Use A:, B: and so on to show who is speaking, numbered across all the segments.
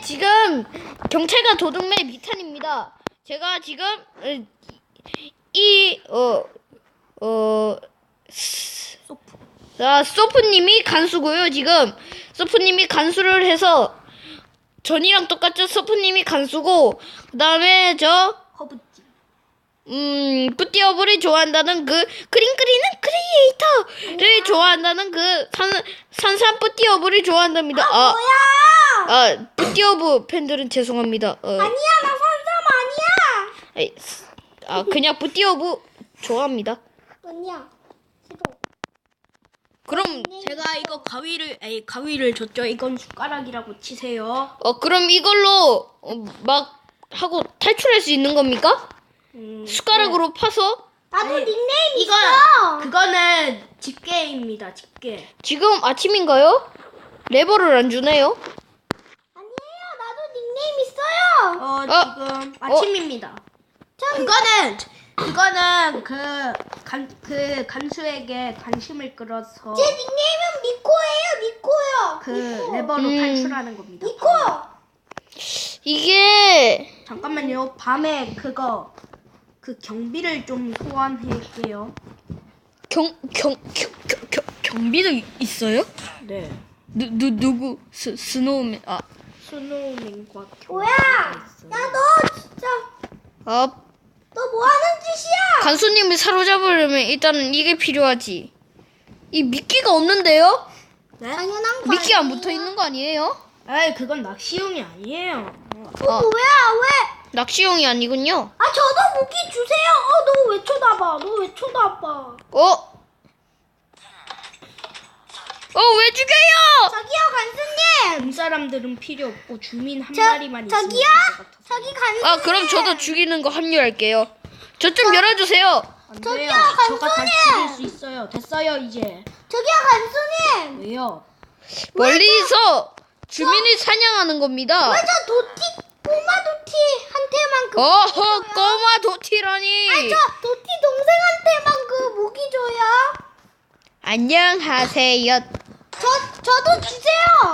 A: 지금 경찰과 도둑맨 미탄입니다. 제가 지금 소프님이 간수고요. 지금 소프님이 간수를 해서 전이랑 똑같죠. 소프님이 간수고 그다음에 저
B: 허브지.
A: 뿌띠어블이 좋아한다는 그 그림 그리는 크리에이터를 좋아한다는 그 산산 뿌띠어블이 좋아한답니다.
B: 뭐야?
A: 뿌띠어브 팬들은 죄송합니다.
B: 아니야, 나 산삼 아니야.
A: 그냥 뿌띠어브 좋아합니다.
B: 아니야. 싫어.
A: 그럼
B: 제가 이거 가위를 줬죠. 이건 숟가락이라고 치세요.
A: 그럼 이걸로 막 하고 탈출할 수 있는 겁니까? 숟가락으로 파서?
B: 나도 닉네임 있어. 그거는 집게입니다. 집게.
A: 지금 아침인가요? 레버를 안 주네요.
B: 아니에요. 나도 닉네임 있어요. 지금 아침입니다. 그거는 그 간수에게 관심을 끌어서 제 닉네임은 미코예요. 그 레버로 탈출하는 겁니다. 미코.
A: 이게
B: 잠깐만요. 밤에 그 경비를 좀 소환할게요.
A: 경비도 있어요?
B: 네.
A: 누구? 스노우맨.
B: 스노우맨과
C: 뭐야? 야, 너 진짜 너 뭐 하는 짓이야?
A: 간수님을 사로잡으려면 일단은 이게 필요하지. 이 미끼가 없는데요?
B: 네?
C: 당연한 거
A: 미끼 안
C: 아니에요?
A: 붙어 있는 거 아니에요?
B: 에이, 그건 낚시용이 아니에요.
C: 뭐야? 왜?
A: 낚시용이 아니군요.
C: 저도 무기 주세요. 너 왜 쳐다봐?
A: 왜 죽여요?
C: 저기요, 간수님.
B: 본 사람들은 필요 없고 주민 한 마리만 있으면
C: 저기요?
B: 될것 같아서.
C: 저기 간수님.
A: 그럼 저도 죽이는 거 합류할게요. 저 좀 열어주세요.
B: 안
C: 저기요,
B: 돼요. 저가 다
C: 간수님!
B: 죽일 수 있어요. 됐어요, 이제.
C: 저기요, 간수님.
B: 왜요?
A: 멀리서 주민을 사냥하는 겁니다.
C: 왜 저 꼬마 도티한테만
A: 꼬마 도티라니.
C: 저 도티 동생한테만 그 무기 줘요.
A: 안녕하세요.
C: 저도 주세요.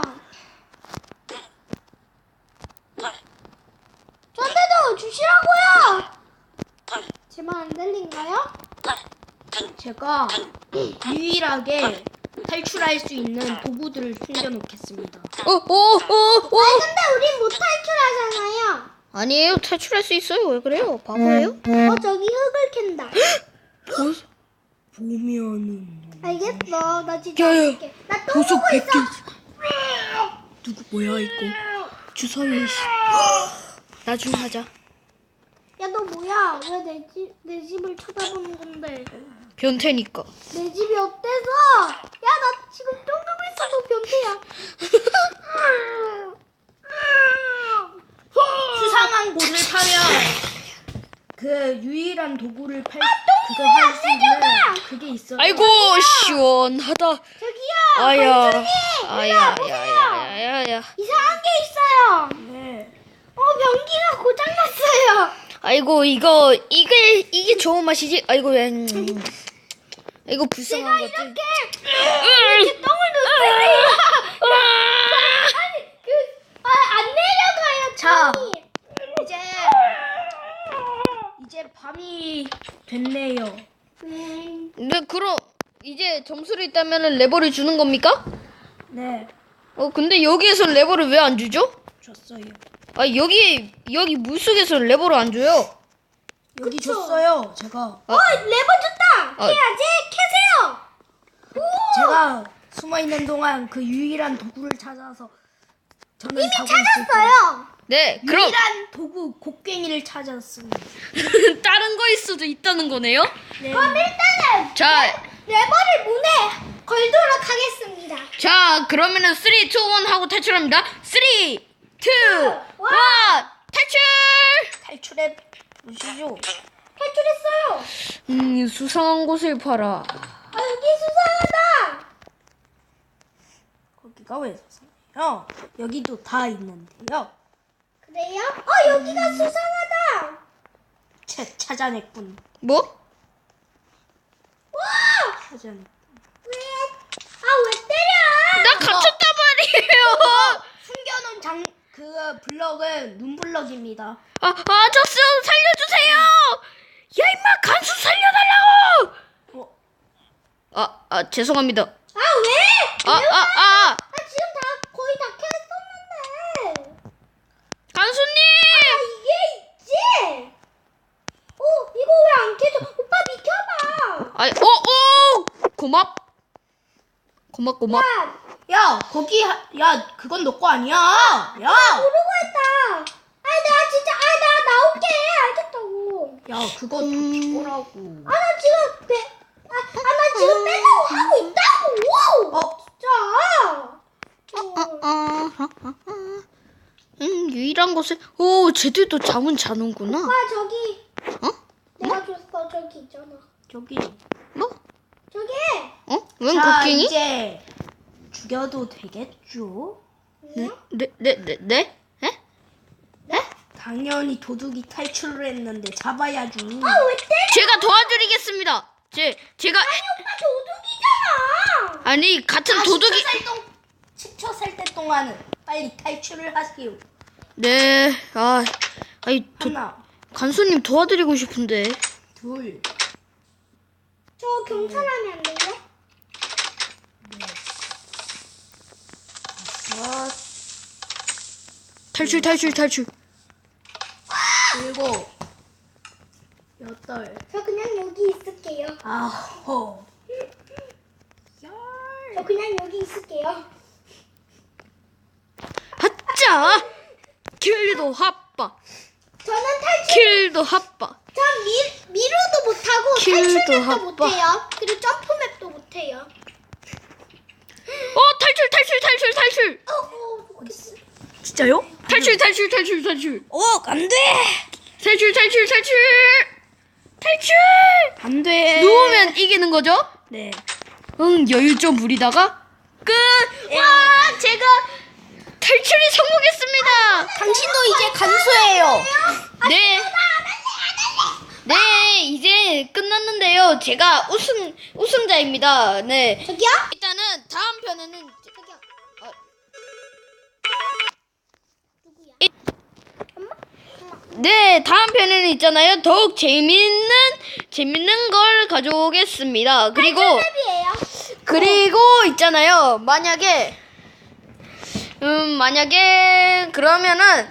C: 저한테도 주시라고요. 제 말 안 들린가요?
B: 제가 유일하게 탈출할 수 있는 도구들을 숨겨놓겠습니다.
C: 근데 우린 못 탈출하잖아요.
A: 아니에요. 탈출할 수 있어요. 왜 그래요? 바보예요?
C: 저기 흙을 캔다.
B: 보면은
C: 알겠어. 나 진짜
A: 야야.
C: 할게. 나 또 보고 있어.
B: 누구 뭐야 이거?
A: 주사위. 나중에 하자.
C: 야, 너 뭐야? 왜 내 집을 쳐다보는 건데?
A: 변태니까.
C: 내 집이 어때서? 야, 나 지금 똥 누고 있어. 너 변태야.
B: 수상한 곳을 타면 그 유일한 도구를 그거 할 수 있는 그게 있어요.
A: 아이고 시원하다.
C: 저기요.
A: 아야.
C: 간수님.
A: 아야.
C: 이상한 게 있어요.
B: 네.
C: 변기가 고장났어요.
A: 아이고 이게 좋은 맛이지. 아이고 이거 불쌍한 것들.
C: 이렇게 똥을 넣었어요. 안 내려가요.
B: 자.
C: 똥이.
B: 이제 밤이 됐네요.
A: 네, 그럼 이제 점수를 있다면은 레버를 주는 겁니까?
B: 네.
A: 근데 여기에서 레버를 왜 안 주죠?
B: 줬어요.
A: 여기 물속에서 레버를 안 줘요.
B: 여기 줬어요. 제가
C: 레버 줬다. 해야지. 캐세요.
B: 제가 숨어 있는 동안 그 유일한 도구를 찾아서 저는
C: 이미
B: 자고 있을 거예요.
C: 찾았어요.
A: 네, 그럼
B: 유일한 도구 곡괭이를 찾았습니다.
A: 다른 거일 수도 있다는 거네요.
B: 네.
C: 그럼 일단은
A: 자,
C: 레버를 문에 걸도록 하겠습니다.
A: 그러면은 3, 2, 1 하고 탈출합니다. 3, 2, 1 탈출!
B: 탈출해 보시죠.
C: 탈출했어요.
A: 수상한 곳을 봐라.
C: 여기 수상하다.
B: 거기가 왜 수상해요? 여기도 다 있는데요.
C: 그래요? 여기가 수상하다.
B: 찾아냈군.
A: 뭐?
C: 와!
B: 찾아냈군.
C: 왜 때려?
A: 나 갇혔단 말이에요.
B: 숨겨놓은 그 블럭은 눈블럭입니다.
A: 저스 살려주세요. 야 임마 간수 살려달라고. 죄송합니다.
C: 아 왜?
A: 아
C: 지금 다 거의 다 켰었는데.
A: 간수님.
C: 이게 있지? 이거 왜 안 켜져? 오빠 비켜봐.
A: 고맙.
B: 야, 거기 야, 그건 너 거 아니야. 야.
C: 모르고 했다. 내가 진짜 나 나올게. 알겠다고.
B: 야, 그거 좀 죽어라고.
C: 나 지금 나 지금 빼려고 하고 있다고. 진짜.
A: 유일한 곳에 쟤들도 잠은 자는구나.
C: 오빠 저기. 내가 줬어. 저기 있잖아.
B: 저기.
A: 뭐?
C: 저기.
A: 웬
B: 자,
A: 곡괭이?
B: 이제 죽여도 되겠죠?
A: 네?
B: 당연히 도둑이 탈출을 했는데 잡아야지.
C: 왜 때려?
A: 제가 도와드리겠습니다. 제가
C: 오빠 도둑이잖아.
A: 아니 같은 도둑이
B: 10초 살 때 동안은 빨리 탈출을 하세요.
A: 네.
B: 하나,
A: 간수님 도와드리고 싶은데.
B: 둘,
C: 저 경찰하면 안 돼요?
B: 섯,
A: 탈출.
B: 일곱, 여덟,
C: 저 그냥 여기 있을게요.
B: 아홉, 열.
C: 저 그냥 여기 있을게요.
A: 하짜. 킬도 핫바.
C: 저는 탈출.
A: 킬도 핫바.
C: 전 미루도 못하고
A: 킬도
C: 탈출맵도
A: 합방.
C: 못해요. 그리고 점프맵도 못해요.
A: 탈출.
C: 좋겠어.
B: 진짜요?
A: 탈출.
B: 안 돼.
A: 탈출.
B: 안 돼.
A: 누우면 이기는 거죠?
B: 네.
A: 여유 좀 부리다가 끝. 와, 제가 탈출이 성공했습니다.
B: 당신도 이제 간수예요.
A: 네, 이제 끝났는데요. 제가 우승자입니다. 네.
C: 저기요?
A: 일단은 다음 편에는
C: 저기요.
A: 네, 다음 편에는 있잖아요. 더욱 재밌는 걸 가져오겠습니다. 그리고 있잖아요. 만약에 그러면은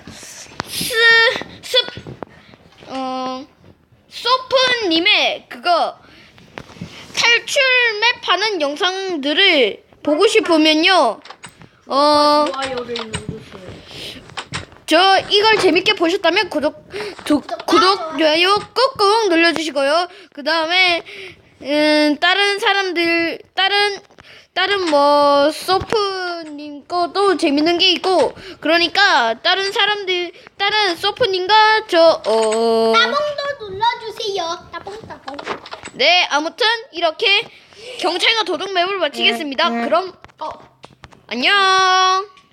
A: 소프님의 그거 탈출 맵 하는 영상들을 보고 싶으면요.
B: 좋아요를 누르세요.
A: 저 이걸 재밌게 보셨다면 구독, 좋아요 꾹꾹 눌러주시고요. 그 다음에 다른 뭐 소프님 거도 재밌는 게 있고, 그러니까 다른 소프님과
C: 따봉도 눌러주세요. 따봉.
A: 네, 아무튼 이렇게 경찰과 도둑 맵을 마치겠습니다. 그럼 안녕.